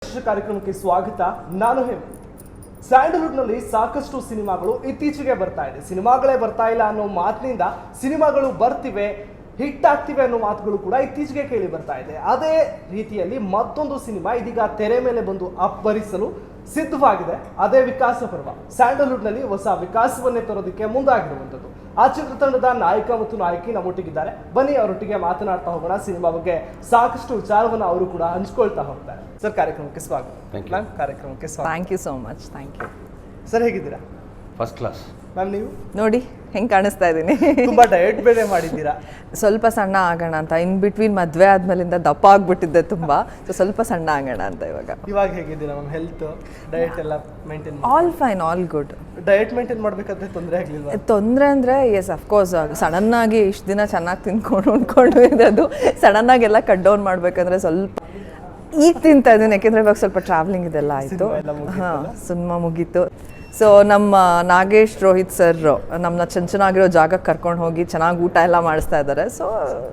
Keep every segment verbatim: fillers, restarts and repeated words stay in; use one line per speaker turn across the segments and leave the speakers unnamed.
ವಿಶೇಷ ಕಾರ್ಯಕ್ರಮಕ್ಕೆ ಸ್ವಾಗತ. ನಾನು ಹೇಮಂತ್. ಸ್ಯಾಂಡಲ್ವುಡ್ನಲ್ಲಿ ಸಾಕಷ್ಟು ಸಿನಿಮಾಗಳು ಇತ್ತೀಚೆಗೆ ಬರ್ತಾ ಇದೆ. ಸಿನಿಮಾಗಳೇ ಬರ್ತಾ ಇಲ್ಲ ಅನ್ನೋ ಮಾತಿನಿಂದ ಸಿನಿಮಾಗಳು ಬರ್ತಿವೆ, ಹಿಟ್ ಆಗ್ತಿವೆ ಅನ್ನೋ ಮಾತುಗಳು ಕೂಡ ಇತ್ತೀಚೆಗೆ ಕೇಳಿ ಬರ್ತಾ ಇದೆ. ಅದೇ ರೀತಿಯಲ್ಲಿ ಮತ್ತೊಂದು ಸಿನಿಮಾ ಇದೀಗ ತೆರೆ ಮೇಲೆ ಬಂದು ಅಪ್ಪರಿಸಲು ಸಿದ್ಧವಾಗಿದೆ. ಅದೇ ವಿಕಾಸ ಪರ್ವ. ಸ್ಯಾಂಡಲ್ವುಡ್ನಲ್ಲಿ ಹೊಸ ವಿಕಾಸವನ್ನೇ ತರೋದಕ್ಕೆ ಮುಂದಾಗಿರುವಂಥದ್ದು. ಆ ಚಿತ್ರತಂಡದ ನಾಯಕ ಮತ್ತು ನಾಯಕಿ ನಮ್ಮೊಟ್ಟಿಗಿದ್ದಾರೆ. ಬನ್ನಿ ಅವರೊಟ್ಟಿಗೆ ಮಾತನಾಡ್ತಾ ಹೋಗೋಣ. ಸಿನಿಮಾ ಬಗ್ಗೆ ಸಾಕಷ್ಟು ವಿಚಾರವನ್ನು ಅವರು ಕೂಡ ಹಂಚ್ಕೊಳ್ತಾ ಹೋಗ್ತಾರೆ. ಸರ್, ಕಾರ್ಯಕ್ರಮಕ್ಕೆ ಸ್ವಾಗತ. ಮ್ಯಾಮ್, ಕಾರ್ಯಕ್ರಮಕ್ಕೆ ಸ್ವಾಗತ.
Thank you so much. Thank you
sir. ಹೇಗಿದ್ದೀರಾ?
First class.
ಮ್ಯಾಮ್, ನೀವು
ನೋಡಿ ಹೆಂಗೆ ಕಾಣಿಸ್ತಾ ಇದ್ದೀನಿ.
ತುಂಬಾ ಡಯಟ್ ಬೇರೆ ಮಾಡಿದ್ದೀರಾ.
ಸ್ವಲ್ಪ ಸಣ್ಣ ಆಗೋಣ ಅಂತ. ಇನ್ ಬಿಟ್ವೀನ್ ಮದುವೆ ಆದ್ಮೇಲಿಂದ ದಪ್ಪ ಆಗ್ಬಿಟ್ಟಿದ್ದೆ ತುಂಬಾ. ಸೊ ಸ್ವಲ್ಪ ಸಣ್ಣ ಆಗೋಣ ಅಂತ ಇವಾಗ.
ಇವಾಗ ಹೇಗಿದ್ದೀರಾ ಮ್ಯಾಮ್? ಹೆಲ್ತ್, ಡಯಟ್ ಎಲ್ಲ maintain?
All fine, all good.
Diet maintain ಮಾಡಬೇಕಾದ್ರೆ ತೊಂದರೆ ಆಗಲಿಲ್ಲ?
ತೊಂದರೆ ಅಂದರೆ ಎಸ್ ಅಫ್ಕೋರ್ಸ್ ಸಡನ್ ಆಗಿ ಇಷ್ಟು ದಿನ ಚೆನ್ನಾಗಿ ತಿನ್ಕೊಂಡು ಉಂಡ್ಕೊಂಡು ಇರೋದು ಸಡನ್ ಆಗಿ ಎಲ್ಲ ಕಟ್ ಡೌನ್ ಮಾಡಬೇಕಂದ್ರೆ ಸ್ವಲ್ಪ ಈಗ ತಿಂತಾ ಇದ್ದೀನಿ. ಯಾಕೆಂದರೆ ಇವಾಗ ಸ್ವಲ್ಪ ಟ್ರಾವೆಲಿಂಗ್ ಇದೆಲ್ಲ ಆಯಿತು. ಹಾಂ, ಸಿನಿಮಾ ಮುಗೀತು. ಸೊ ನಮ್ಮ ನಾಗೇಶ್ ರೋಹಿತ್ ಸರ್ ನಮ್ಮನ್ನ ಚೆನ್ನ ಚೆನ್ನಾಗಿರೋ ಜಾಗಕ್ಕೆ ಕರ್ಕೊಂಡು ಹೋಗಿ ಚೆನ್ನಾಗಿ ಊಟ ಎಲ್ಲ ಮಾಡಿಸ್ತಾ ಇದ್ದಾರೆ. ಸೊ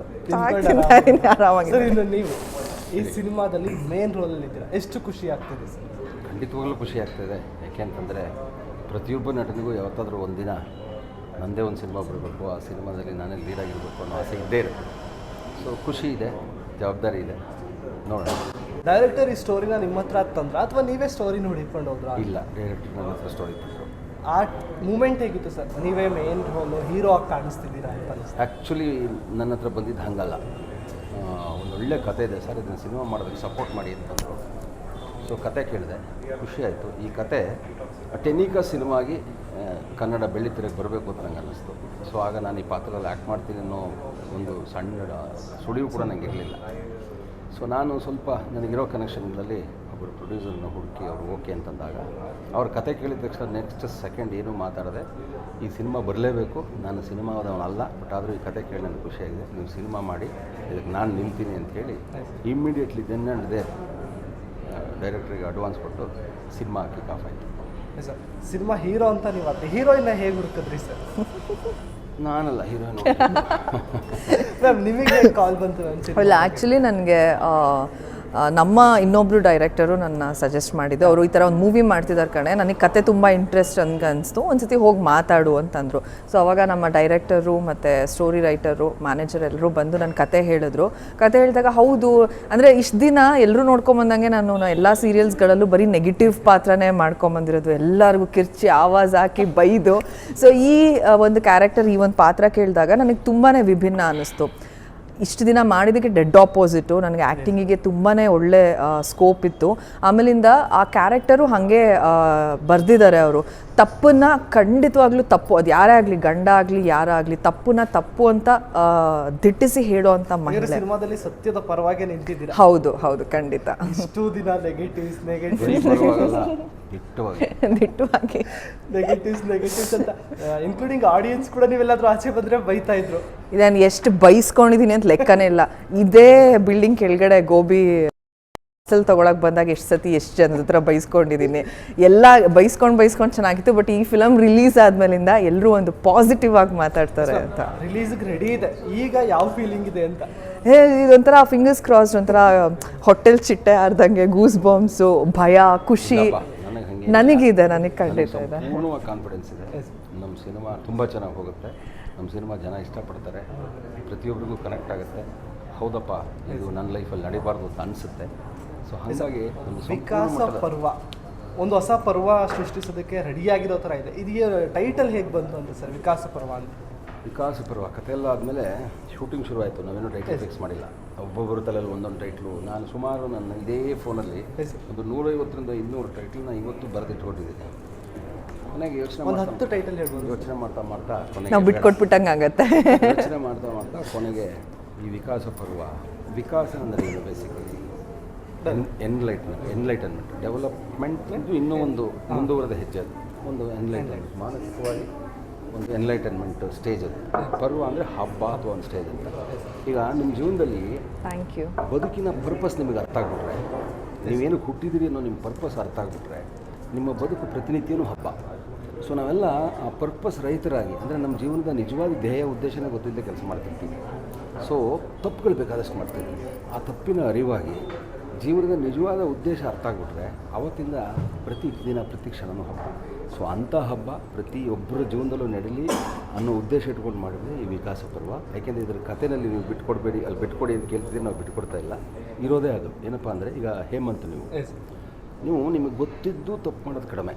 ಆರಾಮಾಗಿ.
ಸರ್, ಇನ್ನು ನೀವು ಈ ಸಿನಿಮಾದಲ್ಲಿ ಮೇನ್ ರೋಲಲ್ಲಿ ಇದ್ದೀರಾ, ಎಷ್ಟು ಖುಷಿ ಆಗ್ತಿದೆ ಸರ್?
ಖಂಡಿತವಾಗ್ಲೂ ಖುಷಿ ಆಗ್ತಾಯಿದೆ. ಯಾಕೆ ಅಂತಂದರೆ ಪ್ರತಿಯೊಬ್ಬ ನಟನಿಗೂ ಯಾವತ್ತಾದರೂ ಒಂದಿನ ನನ್ನದೇ ಒಂದು ಸಿನಿಮಾ ಬರಬೇಕು, ಆ ಸಿನಿಮಾದಲ್ಲಿ ನಾನೇ ಲೀಡ್ ಆಗಿರಬೇಕು ಅನ್ನೋ ಆಸೆ ಇದ್ದೇ ಇರುತ್ತೆ. ಸೊ ಖುಷಿ ಇದೆ, ಜವಾಬ್ದಾರಿ ಇದೆ. ನೋಡೋಣ.
ಡೈರೆಕ್ಟರ್ ಈ ಸ್ಟೋರಿನ ನಿಮ್ಮ ಹತ್ರ ತಂದ್ರ ಅಥವಾ ನೀವೇ ಸ್ಟೋರಿ ನೋಡಿಕೊಂಡು ಹೋದ್ರಾ?
ಇಲ್ಲ, ಡೈರೆಕ್ಟರ್ ನನ್ನ ಹತ್ರ ಸ್ಟೋರಿ ತಂದರು.
ಆ ಮೂಮೆಂಟ್ ಹೇಗಿತ್ತು ಸರ್? ನೀವೇ ಮೇನ್ ರೋಲು ಹೀರೋ ಆಗಿ ಕಾಣಿಸ್ತಿದ್ದೀರಾ ಅಂತ ಅನಿಸ್ತು.
ಆ್ಯಕ್ಚುಲಿ ನನ್ನ ಹತ್ರ ಬಂದಿದ್ದು ಹಾಗಲ್ಲ. ಒಂದು ಒಳ್ಳೆ ಕತೆ ಇದೆ ಸರ್, ಇದನ್ನು ಸಿನಿಮಾ ಮಾಡೋದಕ್ಕೆ ಸಪೋರ್ಟ್ ಮಾಡಿ ಅಂತಂದರು. ಸೊ ಕತೆ ಕೇಳಿದೆ, ಖುಷಿ ಆಯಿತು. ಈ ಕತೆ ಟೆನಿಕಾ ಸಿನಿಮಾಗಿ ಕನ್ನಡ ಬೆಳ್ಳಿತೆರೆಗೆ ಬರಬೇಕು ಅಂತ ನಂಗೆ ಅನ್ನಿಸ್ತು. ಸೊ ಆಗ ನಾನು ಈ ಪಾತ್ರದಲ್ಲಿ ಆ್ಯಕ್ಟ್ ಮಾಡ್ತೀನಿ ಅನ್ನೋ ಒಂದು ಸಣ್ಣ ಸುಳಿವು ಕೂಡ ನನಗೆ ಇರಲಿಲ್ಲ. ಸೊ ನಾನು ಸ್ವಲ್ಪ ನನಗಿರೋ ಕನೆಕ್ಷನ್ಗಳಲ್ಲಿ ಒಬ್ಬರು ಪ್ರೊಡ್ಯೂಸರ್ನ ಹುಡುಕಿ ಅವರು ಓಕೆ ಅಂತಂದಾಗ ಅವ್ರ ಕತೆ ಕೇಳಿದ ತಕ್ಷಣ ನೆಕ್ಸ್ಟ್ ಸೆಕೆಂಡ್ ಏನೂ ಮಾತಾಡದೆ ಈ ಸಿನಿಮಾ ಬರಲೇಬೇಕು, ನಾನು ಸಿನಿಮಾದವನಲ್ಲ, ಬಟ್ ಆದರೂ ಈ ಕತೆ ಕೇಳಿ ನನಗೆ ಖುಷಿಯಾಗಿದೆ, ನೀವು ಸಿನಿಮಾ ಮಾಡಿ ಇದಕ್ಕೆ ನಾನು ನಿಲ್ತೀನಿ ಅಂಥೇಳಿ ಇಮ್ಮಿಡಿಯೇಟ್ಲಿ ದೆನ್ ಆ್ಯಂಡ್ ದೇ ಡೈರೆಕ್ಟ್ರಿಗೆ ಅಡ್ವಾನ್ಸ್ ಕೊಟ್ಟು ಸಿನಿಮಾ ಕಿಕ್ ಆಫ್ ಆಯಿತು.
ಸರ್, ಸಿನಿಮಾ ಹೀರೋ ಅಂತ ನೀವು ಅದೇ ಹೀರೋಯಿನ್ನ ಹೇಗೆ ಹುಡುಕಿದ್ರಿ ಸರ್?
ನಾನಲ್ಲ ಹೀರೋಯಿನ್.
ಮ್ಯಾಮ್, ನಿಮಗೆ ಕಾಲ್ ಬಂತು?
ಇಲ್ಲ, ಆ್ಯಕ್ಚುಲಿ ನನಗೆ ನಮ್ಮ ಇನ್ನೊಬ್ಬರು ಡೈರೆಕ್ಟರು ನನ್ನ ಸಜೆಸ್ಟ್ ಮಾಡಿದ್ದು. ಅವರು ಈ ಥರ ಒಂದು ಮೂವಿ ಮಾಡ್ತಿದ್ದಾರೆ ಕಣೆ, ನನಗೆ ಕತೆ ತುಂಬ ಇಂಟ್ರೆಸ್ಟ್ ಹಂಗೆ ಅನಿಸ್ತು, ಒಂದು ಸತಿ ಹೋಗಿ ಮಾತಾಡು ಅಂತಂದರು. ಸೊ ಅವಾಗ ನಮ್ಮ ಡೈರೆಕ್ಟರು ಮತ್ತು ಸ್ಟೋರಿ ರೈಟರು, ಮ್ಯಾನೇಜರ್ ಎಲ್ಲರೂ ಬಂದು ನನ್ನ ಕತೆ ಹೇಳಿದ್ರು. ಕತೆ ಹೇಳಿದಾಗ ಹೌದು, ಅಂದರೆ ಇಷ್ಟು ದಿನ ಎಲ್ಲರೂ ನೋಡ್ಕೊಂಬಂದಂಗೆ ನಾನು ಎಲ್ಲ ಸೀರಿಯಲ್ಸ್ಗಳಲ್ಲೂ ಬರೀ ನೆಗೆಟಿವ್ ಪಾತ್ರನೇ ಮಾಡ್ಕೊಂಬಂದಿರೋದು, ಎಲ್ಲರಿಗೂ ಕಿರ್ಚಿ ಆವಾಜ್ ಹಾಕಿ ಬೈದು. ಸೊ ಈ ಒಂದು ಕ್ಯಾರೆಕ್ಟರ್, ಈ ಒಂದು ಪಾತ್ರ ಕೇಳಿದಾಗ ನನಗೆ ತುಂಬಾ ವಿಭಿನ್ನ ಅನ್ನಿಸ್ತು. ಇಷ್ಟು ದಿನ ಮಾಡಿದ್ದಕ್ಕೆ ಡೆಡ್ ಆಪೋಸಿಟು. ನನಗೆ ಆ್ಯಕ್ಟಿಂಗಿಗೆ ತುಂಬಾ ಒಳ್ಳೆ ಸ್ಕೋಪ್ ಇತ್ತು. ಆಮೇಲಿಂದ ಆ ಕ್ಯಾರೆಕ್ಟರು ಹಾಗೆ ಬರೆದಿದ್ದಾರೆ ಅವರು. ತಪ್ಪನ್ನು ಖಂಡಿತವಾಗ್ಲೂ ತಪ್ಪು, ಅದು ಯಾರೇ ಆಗಲಿ, ಗಂಡ ಆಗಲಿ ಯಾರಾಗಲಿ, ತಪ್ಪನ್ನ ತಪ್ಪು ಅಂತ ದಿಟ್ಟಿಸಿ ಹೇಳೋ ಅಂತ ಮಹಿಳೆ.
ಸಿನಿಮಾದಲ್ಲಿ ಸತ್ಯದ ಪರವಾಗಿ ನಿಂತಿದ್ದೀರಾ?
ಹೌದು ಹೌದು, ಖಂಡಿತ.
ಇಷ್ಟು ದಿನ ನೆಗೆಟಿವ್ಸ್ ನೆಗೆಟಿವ್ಸ್
ದಿಟ್ಟವಾಗಿ
ನೆಗೆಟಿವ್ಸ್ ನೆಗೆಟಿವ್ಸ್ ಅಂತ ಇನ್ಕ್ಲೂಡಿಂಗ್ ಆಡಿಯನ್ಸ್ ಕೂಡ ನೀವೆಲ್ಲಾದ್ರೂ ಆಚೆ ಬಂದರೆ ಬೈತಾ ಇದ್ರು.
ನಾನು ಎಷ್ಟು ಬೈಸ್ಕೊಂಡಿದ್ದೀನಿ ಅಂತ ಲೆಕ್ಕನೇ ಇಲ್ಲ. ಇದೇ ಬಿಲ್ಡಿಂಗ್ ಕೆಳಗಡೆ ಗೋಬಿ ಸಲ್ ತೊಗೊಳಕ್ಕೆ ಬಂದಾಗ ಎಷ್ಟು ಸತಿ ಎಷ್ಟು ಜನದ ಹತ್ರ ಬೈಸ್ಕೊಂಡಿದ್ದೀನಿ. ಎಲ್ಲ ಬೈಸ್ಕೊಂಡು ಬೈಸ್ಕೊಂಡು ಚೆನ್ನಾಗಿತ್ತು. ಬಟ್ ಈ ಫಿಲಮ್ ರಿಲೀಸ್ ಆದ್ಮೇಲಿಂದ ಎಲ್ಲರೂ ಒಂದು ಪಾಸಿಟಿವ್ ಆಗಿ ಮಾತಾಡ್ತಾರೆ ಅಂತ.
ರಿಲೀಸ್ಗೆ ರೆಡಿ ಇದೆ, ಈಗ ಯಾವ ಫೀಲಿಂಗ್ ಇದೆ ಅಂತ?
ಏ ಇದೊಂಥರ ಫಿಂಗರ್ಸ್ ಕ್ರಾಸ್, ಒಂಥರ ಹೋಟೆಲ್ ಚಿಟ್ಟೆ ಆರ್ದಂಗೆ, ಗೂಸ್ ಬಾಂಬ್ಸು, ಭಯ, ಖುಷಿ ನನಗಿದೆ. ನನಗೆ ಖಂಡಿತ ಇದೆ,
ಪೂರ್ಣವಾಗಿ ಕಾನ್ಫಿಡೆನ್ಸ್ ಇದೆ. ನಮ್ಮ ಸಿನಿಮಾ ತುಂಬ ಚೆನ್ನಾಗಿ ಹೋಗುತ್ತೆ, ನಮ್ಮ ಸಿನಿಮಾ ಜನ ಇಷ್ಟಪಡ್ತಾರೆ, ಪ್ರತಿಯೊಬ್ಬರಿಗೂ ಕನೆಕ್ಟ್ ಆಗುತ್ತೆ. ಹೌದಪ್ಪ, ಇದು ನನ್ನ ಲೈಫಲ್ಲಿ ನಡಿಬಾರ್ದು ಅಂತ ಅನಿಸುತ್ತೆ. ಸೊ ಹಾಗಾಗಿ ಒಂದು
ವಿಕಾಸ ಪರ್ವ, ಒಂದು ಹೊಸ ಪರ್ವ ಸೃಷ್ಟಿಸೋದಕ್ಕೆ ರೆಡಿಯಾಗಿರೋ ಥರ ಇದೆ. ಇದಕ್ಕೆ ಟೈಟಲ್ ಹೇಗೆ ಬಂತು ಅಂತ ಸರ್, ವಿಕಾಸ ಪರ್ವ ಅಂತ?
ವಿಕಾಸ ಪರ್ವ ಕಥೆ ಎಲ್ಲ ಆದಮೇಲೆ ಶೂಟಿಂಗ್ ಶುರು ಆಯಿತು. ನಾವೇನು ಟೈಟಲ್ ಫಿಕ್ಸ್ ಮಾಡಿಲ್ಲ, ಒಬ್ಬೊಬ್ಬರು ತಲೆಯಲ್ಲಿ ಒಂದೊಂದು ಟೈಟ್ಲು. ನಾನು ಸುಮಾರು ನನ್ನ ಇದೇ ಫೋನಲ್ಲಿ ಒಂದು ನೂರೈವತ್ತರಿಂದ ಇನ್ನೂರು ಟೈಟ್ಲನ್ನ ಇವತ್ತು ಬರೆದಿಟ್ಕೊಂಡಿದ್ದೀನಿ. ಕೊನೆಗೆ ಯೋಚನೆ
ಒಂದು ಹತ್ತು ಟೈಟಲ್ ಹೇಳ್ಬೋದು.
ಯೋಚನೆ ಮಾಡ್ತಾ ಮಾಡ್ತಾ ಕೊನೆಗೆ
ನಾವು ಬಿಟ್ಕೊಟ್ಬಿಟ್ಟಂಗೆ ಆಗುತ್ತೆ.
ಯೋಚನೆ ಮಾಡ್ತಾ ಮಾಡ್ತಾ ಕೊನೆಗೆ ಈ ವಿಕಾಸ ಪರ್ವ, ವಿಕಾಸ ಅಂದರೆ ಏನು ಬೇಸಿಕಲಿ ಎನ್ಲೈಟ್ಮೆಂಟ್ ಎನ್ಲೈಟನ್ಮೆಂಟ್ ಡೆವಲಪ್ಮೆಂಟ್ ಇದು ಇನ್ನೂ ಒಂದು ಮುಂದುವರೆದ ಹೆಜ್ಜೆ. ಅದು ಒಂದು ಎನ್ಲೈಟನ್ಮೆಂಟ್, ಮಾನಸಿಕವಾಗಿ ಒಂದು ಎನ್ಲೈಟನ್ಮೆಂಟ್ ಸ್ಟೇಜ್. ಅದು ಪರ್ವ ಅಂದರೆ ಹಬ್ಬ ಅಥವಾ ಒಂದು ಸ್ಟೇಜ್ ಅಂತ. ಈಗ ನಿಮ್ಮ ಜೀವನದಲ್ಲಿ
ಥ್ಯಾಂಕ್ ಯು
ಬದುಕಿನ ಪರ್ಪಸ್ ನಿಮಗೆ ಅರ್ಥ ಆಗಿಬಿಟ್ರೆ, ನೀವೇನು ಹುಟ್ಟಿದಿರಿ ಅನ್ನೋ ನಿಮ್ಮ ಪರ್ಪಸ್ ಅರ್ಥ ಆಗಿಬಿಟ್ರೆ, ನಿಮ್ಮ ಬದುಕು ಪ್ರತಿನಿತ್ಯನೂ ಹಬ್ಬ. ಸೊ ನಾವೆಲ್ಲ ಆ ಪರ್ಪಸ್ ರಹಿತರಾಗಿ, ಅಂದರೆ ನಮ್ಮ ಜೀವನದ ನಿಜವಾದ ಧ್ಯೇಯ ಉದ್ದೇಶನೇ ಗೊತ್ತಿಲ್ಲದೆ ಕೆಲಸ ಮಾಡ್ತಿರ್ತೀವಿ. ಸೊ ತಪ್ಪುಗಳು ಬೇಕಾದಷ್ಟು ಮಾಡ್ತಿರ್ತೀವಿ. ಆ ತಪ್ಪಿನ ಅರಿವಾಗಿ ಜೀವನದ ನಿಜವಾದ ಉದ್ದೇಶ ಅರ್ಥ ಆಗಿಬಿಟ್ರೆ ಅವತ್ತಿಂದ ಪ್ರತಿ ದಿನ ಪ್ರತಿ ಕ್ಷಣವೂ ಹಬ್ಬ. ಸೊ ಅಂಥ ಹಬ್ಬ ಪ್ರತಿಯೊಬ್ಬರ ಜೀವನದಲ್ಲೂ ನಡೀಲಿ ಅನ್ನೋ ಉದ್ದೇಶ ಇಟ್ಕೊಂಡು ಮಾಡಿದ್ರೆ ಈ ವಿಕಾಸ ಪರ್ವ. ಯಾಕೆಂದರೆ ಇದರ ಕಥೆಯಲ್ಲಿ ನೀವು ಬಿಟ್ಕೊಡ್ಬೇಡಿ, ಅಲ್ಲಿ ಬಿಟ್ಕೊಡಿ ಅಂತ ಕೇಳ್ತಿದ್ರೆ ನಾವು ಬಿಟ್ಕೊಡ್ತಾ ಇಲ್ಲ. ಇರೋದೇ ಅದು ಏನಪ್ಪ ಅಂದರೆ, ಈಗ ಹೇಮಂತ್ ನೀವು ನೀವು ನಿಮಗೆ ಗೊತ್ತಿದ್ದು ತಪ್ಪು ಮಾಡೋದು ಕಡಿಮೆ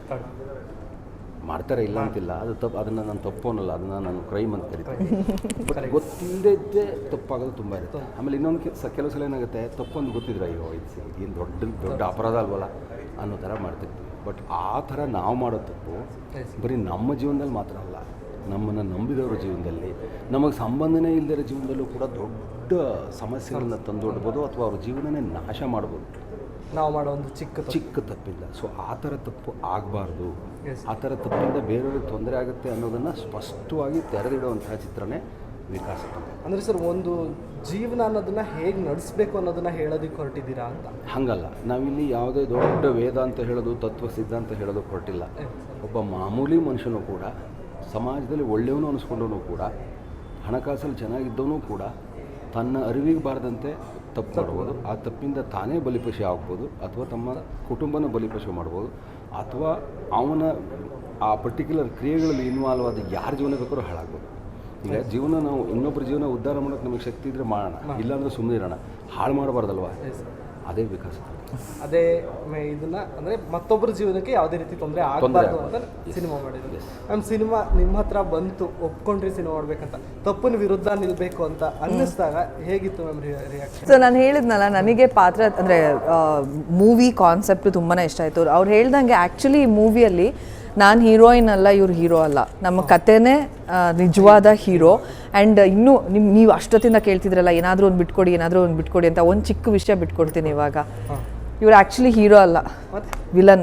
ಮಾಡ್ತಾರೆ, ಇಲ್ಲ ಅಂತಿಲ್ಲ, ಅದು ತಪ್ಪು, ಅದನ್ನು ನಾನು ತಪ್ಪು ಅನ್ನಲ್ಲ, ಅದನ್ನು ನಾನು ಕ್ರೈಮ್ ಅಂತ ಕರಿತೀನಿ. ಬಟ್ ಗೊತ್ತಿಲ್ಲದೇ ಇದ್ದೇ ತಪ್ಪಾಗೋದು ತುಂಬ ಇರುತ್ತೆ. ಆಮೇಲೆ ಇನ್ನೊಂದು ಕೆ ಕೆಲವು ಸಲ ಏನಾಗುತ್ತೆ, ತಪ್ಪೊಂದು ಗೊತ್ತಿದ್ರೆ ಅಯ್ಯೋ ಇದು ಏನು ದೊಡ್ಡ ದೊಡ್ಡ ಅಪರಾಧ ಅಲ್ವಲ್ಲ ಅನ್ನೋ ಥರ ಮಾಡ್ತಿರ್ತೀವಿ. ಬಟ್ ಆ ಥರ ನಾವು ಮಾಡೋ ತಪ್ಪು ಬರೀ ನಮ್ಮ ಜೀವನದಲ್ಲಿ ಮಾತ್ರ ಅಲ್ಲ, ನಮ್ಮನ್ನು ನಂಬಿದವರ ಜೀವನದಲ್ಲಿ, ನಮಗೆ ಸಂಬಂಧನೇ ಇಲ್ಲದಿರೋ ಜೀವನದಲ್ಲೂ ಕೂಡ ದೊಡ್ಡ ಸಮಸ್ಯೆಗಳನ್ನ ತಂದೊಡ್ಬೋದು ಅಥವಾ ಅವ್ರ ಜೀವನನೇ ನಾಶ ಮಾಡ್ಬೋದು
ನಾವು ಮಾಡೋ ಒಂದು ಚಿಕ್ಕ
ಚಿಕ್ಕ ತಪ್ಪಿಲ್ಲ. ಸೊ ಆ ಥರ ತಪ್ಪು ಆಗಬಾರ್ದು, ಆ ಥರ ತಪ್ಪಿಂದ ಬೇರೆಯವ್ರಿಗೆ ತೊಂದರೆ ಆಗುತ್ತೆ ಅನ್ನೋದನ್ನು ಸ್ಪಷ್ಟವಾಗಿ ತೆರೆದಿಡುವಂತಹ ಚಿತ್ರನೇ ವಿಕಾಸ.
ಅಂದರೆ ಸರ್, ಒಂದು ಜೀವನ ಅನ್ನೋದನ್ನ ಹೇಗೆ ನಡೆಸಬೇಕು ಅನ್ನೋದನ್ನ ಹೇಳೋದಕ್ಕೆ ಹೊರಟಿದ್ದೀರಾ ಅಂತ?
ಹಾಗಲ್ಲ, ನಾವಿಲ್ಲಿ ಯಾವುದೇ ದೊಡ್ಡ ವೇದ ಅಂತ ಹೇಳೋದು, ತತ್ವ ಸಿದ್ಧಾಂತ ಹೇಳೋದು ಹೊರಟಿಲ್ಲ. ಒಬ್ಬ ಮಾಮೂಲಿ ಮನುಷ್ಯನೂ ಕೂಡ ಸಮಾಜದಲ್ಲಿ ಒಳ್ಳೆಯವನು ಅನಿಸ್ಕೊಂಡವನು ಕೂಡ, ಹಣಕಾಸಲ್ಲಿ ಚೆನ್ನಾಗಿದ್ದವನು ಕೂಡ ತನ್ನ ಅರಿವಿಗೆ ಬಾರದಂತೆ ತಪ್ಪು ಮಾಡ್ಬೋದು. ಆ ತಪ್ಪಿಂದ ತಾನೇ ಬಲಿಪಶು ಆಗ್ಬೋದು, ಅಥವಾ ತಮ್ಮ ಕುಟುಂಬನ ಬಲಿಪಶು ಮಾಡ್ಬೋದು, ಅಥವಾ ಅವನ ಆ ಪರ್ಟಿಕ್ಯುಲರ್ ಕ್ರಿಯೆಗಳಲ್ಲಿ ಇನ್ವಾಲ್ವ್ ಆದ ಯಾರ ಜೀವನ ಬೇಕಾದ್ರೂ ಹಾಳಾಗ್ಬೋದು. ಈಗ ಜೀವನ ನಾವು ಇನ್ನೊಬ್ಬರ ಜೀವನ ಉದ್ಧಾರ ಮಾಡೋಕ್ಕೆ ನಮಗೆ ಶಕ್ತಿ ಇದ್ದರೆ ಮಾಡೋಣ, ಇಲ್ಲಾಂದ್ರೆ ಸುಮ್ಮನೆ ಇರೋಣ. ಹಾಳು ಮಾಡಬಾರ್ದಲ್ವ, ಅದೇ ವಿಕಾಸ.
ಅದೇ ಇದನ್ನ ಅಂದರೆ ಮತ್ತೊಬ್ಬರ ಜೀವನಕ್ಕೆ ಯಾವುದೇ ರೀತಿ ತೊಂದರೆ ಆಗಬಾರ್ದು ಅಂತ ಸಿನಿಮಾ ಮಾಡಿದ್ವಿ. ನಮ್ಮ ಸಿನಿಮಾ ನಿಮ್ಮ ಹತ್ರ ಬಂತು, ಒಪ್ಕೊಂಡ್ರಿ ಸಿನಿಮಾ ಮಾಡ್ಬೇಕಂತ, ತಪ್ಪಿನ ವಿರುದ್ಧ ನಿಲ್ಬೇಕು ಅಂತ ಅನ್ನಿಸ್ದಾಗ ಹೇಗಿತ್ತು ಮ್ಯಾಮ್ ರಿಯಾಕ್ಷನ್?
ಸೊ ನಾನು ಹೇಳಿದ್ನಲ್ಲ, ನನಗೆ ಪಾತ್ರ ಅಂದರೆ ಮೂವಿ ಕಾನ್ಸೆಪ್ಟ್ ತುಂಬಾ ಇಷ್ಟ ಆಯಿತು. ಅವ್ರು ಹೇಳ್ದಂಗೆ ಆ್ಯಕ್ಚುಲಿ ಈ ಮೂವಿಯಲ್ಲಿ ನಾನು ಹೀರೋಯಿನ್ ಅಲ್ಲ, ಇವ್ರು ಹೀರೋ ಅಲ್ಲ, ನಮ್ಮ ಕಥೆನೇ ನಿಜವಾದ ಹೀರೋ. ಆ್ಯಂಡ್ ಇನ್ನೂ ನಿಮ್ಮ ನೀವು ಅಷ್ಟೊತ್ತಿಂದ ಕೇಳ್ತಿದ್ರಲ್ಲ ಏನಾದರೂ ಒಂದು ಬಿಟ್ಕೊಡಿ, ಏನಾದರೂ ಒಂದು ಬಿಟ್ಕೊಡಿ ಅಂತ. ಒಂದು ಚಿಕ್ಕ ವಿಷಯ ಬಿಟ್ಕೊಡ್ತೀನಿ ಇವಾಗ. ಇವ್ರು ಆ್ಯಕ್ಚುಲಿ ಹೀರೋ ಅಲ್ಲ, ವಿಲನ್.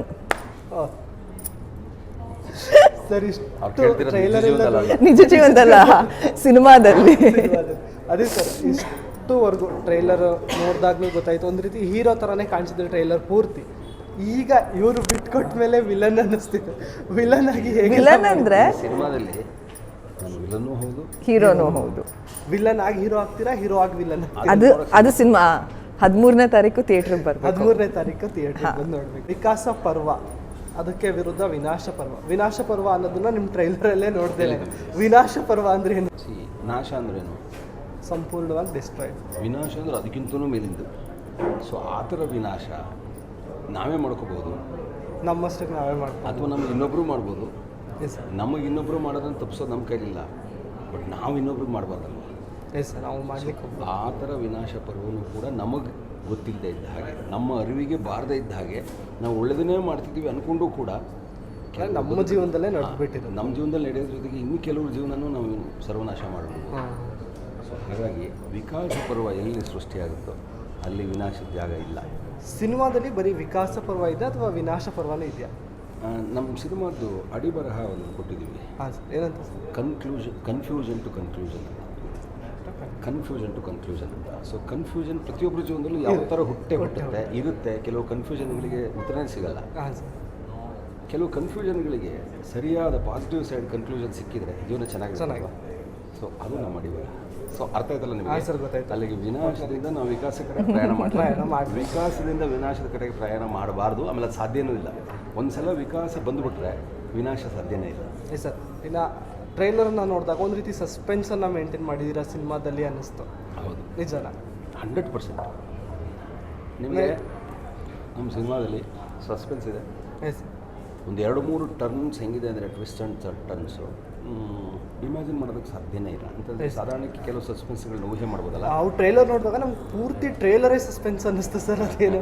ನಿಜ ಜೀವನದಲ್ಲ, ಸಿನಿಮಾದಲ್ಲಿ.
ಅದೇ ಸರ್, ಇಷ್ಟುವರೆಗೂ ಟ್ರೈಲರ್ ನೋಡಿದಾಗ್ಲೂ ಗೊತ್ತಾಯ್ತು, ಒಂದು ರೀತಿ ಹೀರೋ ಥರನೇ ಕಾಣಿಸಿದ್ರು ಟ್ರೈಲರ್ ಪೂರ್ತಿ. ಈಗ ಇವರು ಬಿಟ್ಕೊಟ್ಟ ಮೇಲೆ ವಿಲನ್ ಅನ್ನಿಸ್ತಿದೆ. ವಿಲನ್ ಆಗಿ ಹೇಗೆ?
ವಿಲನ್ ಅಂದ್ರೆ
ಸಿನಿಮಾದಲ್ಲಿ ವಿಲನ್ನೂ ಹೌದು,
ಹೀರೋನೂ ಹೌದು.
ವಿಲನ್ ಆಗಿ ಹೀರೋ ಆಗ್ತೀರಾ, ಹೀರೋ ಆಗಿ ವಿಲನ್?
ಅದು ಅದು ಸಿನಿಮಾ ಹದಿಮೂರನೇ ತಾರೀಕು ಥಿಯೇಟ್ರಿಗೆ ಬರ್ಬೇಕು.
ಹದಿಮೂರನೇ ತಾರೀಕು ಥಿಯೇಟ್ರಿಗೆ ಬಂದು ನೋಡ್ಬೇಕು. ವಿಕಾಸ ಪರ್ವ, ಅದಕ್ಕೆ ವಿರುದ್ಧ ವಿನಾಶ ಪರ್ವ. ವಿನಾಶ ಪರ್ವ ಅನ್ನೋದನ್ನ ನಿಮ್ಮ ಟ್ರೈಲರಲ್ಲೇ ನೋಡ್ತೇವೆ. ವಿನಾಶ ಪರ್ವ ಅಂದ್ರೆ ಏನು?
ನಾಶ ಅಂದ್ರೇನು?
ಸಂಪೂರ್ಣವಾಗಿ ಡಿಸ್ಟ್ರಾಯ್.
ವಿನಾಶ ಅಂದ್ರೆ ಅದಕ್ಕಿಂತಲೂ ಮೇಲಿಂದು. ಸೊ ಆ ಥರ ವಿನಾಶ ನಾವೇ ಮಾಡ್ಕೋಬೋದು,
ನಮ್ಮಷ್ಟಕ್ಕೆ ನಾವೇ ಮಾಡ್ಬೋದು,
ಅಥವಾ ನಮ್ಗೆ ಇನ್ನೊಬ್ಬರು ಮಾಡ್ಬೋದು. ನಮಗೆ ಇನ್ನೊಬ್ಬರು ಮಾಡೋದನ್ನು ತಪ್ಪಿಸೋದು ನಮ್ಮ ಕೈಲಿಲ್ಲ, ಬಟ್ ನಾವು ಇನ್ನೊಬ್ರಿಗೆ ಮಾಡಬಾರ್ದಲ್ವ?
ಎಸ್ ಸರ್, ನಾವು ಮಾಡಲಿಕ್ಕೆ
ಆ ಥರ ವಿನಾಶ ಪರ್ವನೂ ಕೂಡ ನಮಗೆ ಗೊತ್ತಿಲ್ಲದೆ ಇದ್ದ ಹಾಗೆ, ನಮ್ಮ ಅರಿವಿಗೆ ಬಾರದೇ ಇದ್ದ ಹಾಗೆ ನಾವು ಒಳ್ಳೆಯದನ್ನೇ ಮಾಡ್ತಿದ್ದೀವಿ ಅಂದ್ಕೊಂಡು ಕೂಡ
ನಮ್ಮ ಜೀವನದಲ್ಲೇ ನಡೆದ್ಬಿಟ್ಟಿದ್ದು.
ನಮ್ಮ ಜೀವನದಲ್ಲಿ ನಡೆಯೋದ್ರ ಜೊತೆಗೆ ಇನ್ನು ಕೆಲವ್ರ ಜೀವನನೂ ನಾವು ಸರ್ವನಾಶ ಮಾಡಬಹುದು. ಸೊ ಹಾಗಾಗಿ ವಿಕಾಸ ಪರ್ವ ಎಲ್ಲಿ ಸೃಷ್ಟಿಯಾಗುತ್ತೋ ಅಲ್ಲಿ ವಿನಾಶದ ಜಾಗ ಇಲ್ಲ.
ಸಿನಿಮಾದಲ್ಲಿ ಬರೀ ವಿಕಾಸ ಪರ್ವ ಇದೆ ಅಥವಾ ವಿನಾಶ ಪರ್ವನೇ ಇದೆಯಾ?
ನಮ್ಮ ಸಿನಿಮಾದ್ದು ಅಡಿಬರಹ ಒಂದು ಕೊಟ್ಟಿದ್ದೀವಿ.
ಹಾಂ ಸರ್, ಏನಂತ?
Conclusion confusion to conclusion confusion to conclusion ಅಂತ. ಸೊ ಕನ್ಫ್ಯೂಷನ್ ಪ್ರತಿಯೊಬ್ಬರ ಜೀವನದಲ್ಲೂ ಯಾವ ಥರ ಹುಟ್ಟೆ ಹುಟ್ಟುತ್ತೆ ಇರುತ್ತೆ. ಕೆಲವು ಕನ್ಫ್ಯೂಷನ್ಗಳಿಗೆ ಉತ್ತರನೇ ಸಿಗಲ್ಲ.
ಹಾಂ ಸರ್.
ಕೆಲವು ಕನ್ಫ್ಯೂಷನ್ಗಳಿಗೆ ಸರಿಯಾದ ಪಾಸಿಟಿವ್ ಸೈಡ್ ಕನ್ಕ್ಲೂಷನ್ ಸಿಕ್ಕಿದ್ರೆ ಜೀವನ ಚೆನ್ನಾಗಿ ಚೆನ್ನಾಗಿ ಸೊ ಅದು ನಮ್ಮ ಅಡಿಬರಹ. ಸೊ ಅರ್ಥ ಆಯ್ತಲ್ಲ ನಿಮಗೆ?
ಸರ್, ಗೊತ್ತಾಯ್ತು.
ಅಲ್ಲಿಗೆ ವಿನಾಶದಿಂದ ನಾವು ವಿಕಾಸ ಕಡೆ ಪ್ರಯಾಣ ಮಾಡಿ ವಿಕಾಸದಿಂದ ವಿನಾಶದ ಕಡೆಗೆ ಪ್ರಯಾಣ ಮಾಡಬಾರ್ದು. ಆಮೇಲೆ ಅದು ಸಾಧ್ಯನೂ ಇಲ್ಲ. ಒಂದು ಸಲ ವಿಕಾಸ ಬಂದುಬಿಟ್ರೆ ವಿನಾಶ ಸಾಧ್ಯನೇ ಇಲ್ಲ.
Yes sir. ಇನ್ನು ಟ್ರೈಲರ್ನ ನೋಡಿದಾಗ ಒಂದು ರೀತಿ ಸಸ್ಪೆನ್ಸನ್ನು ಮೇಂಟೈನ್ ಮಾಡಿದ್ದೀರಾ ಸಿನಿಮಾದಲ್ಲಿ ಅನ್ನಿಸ್ತು.
ಹೌದು,
ನಿಜನಾ?
Hundred percent. ನಿಮಗೆ ನಮ್ಮ ಸಿನಿಮಾದಲ್ಲಿ ಸಸ್ಪೆನ್ಸ್ ಇದೆ.
ಎಸ್.
ಒಂದು ಎರಡು ಮೂರು ಟರ್ನ್ಸ್ ಹೆಂಗಿದೆ ಅಂದರೆ ಟ್ವಿಸ್ಟ್ ಆ್ಯಂಡ್ ಟರ್ನ್ಸು ಇಮ್ಯಾಜಿನ್ ಮಾಡೋದಕ್ಕೆ ಸಾಧ್ಯನೇ ಇಲ್ಲ. ಅಂತಂದರೆ ಸಾಧಾರಣಕ್ಕೆ ಕೆಲವು ಸಸ್ಪೆನ್ಸ್ಗಳನ್ನ ಊಹೆ ಮಾಡ್ಬೋದಲ್ಲ.
ನಾವು ಟ್ರೈಲರ್ ನೋಡಿದಾಗ ನಮ್ಗೆ ಪೂರ್ತಿ ಟ್ರೈಲರೇ ಸಸ್ಪೆನ್ಸ್ ಅನ್ನಿಸ್ತು ಸರ್. ಅದೇನು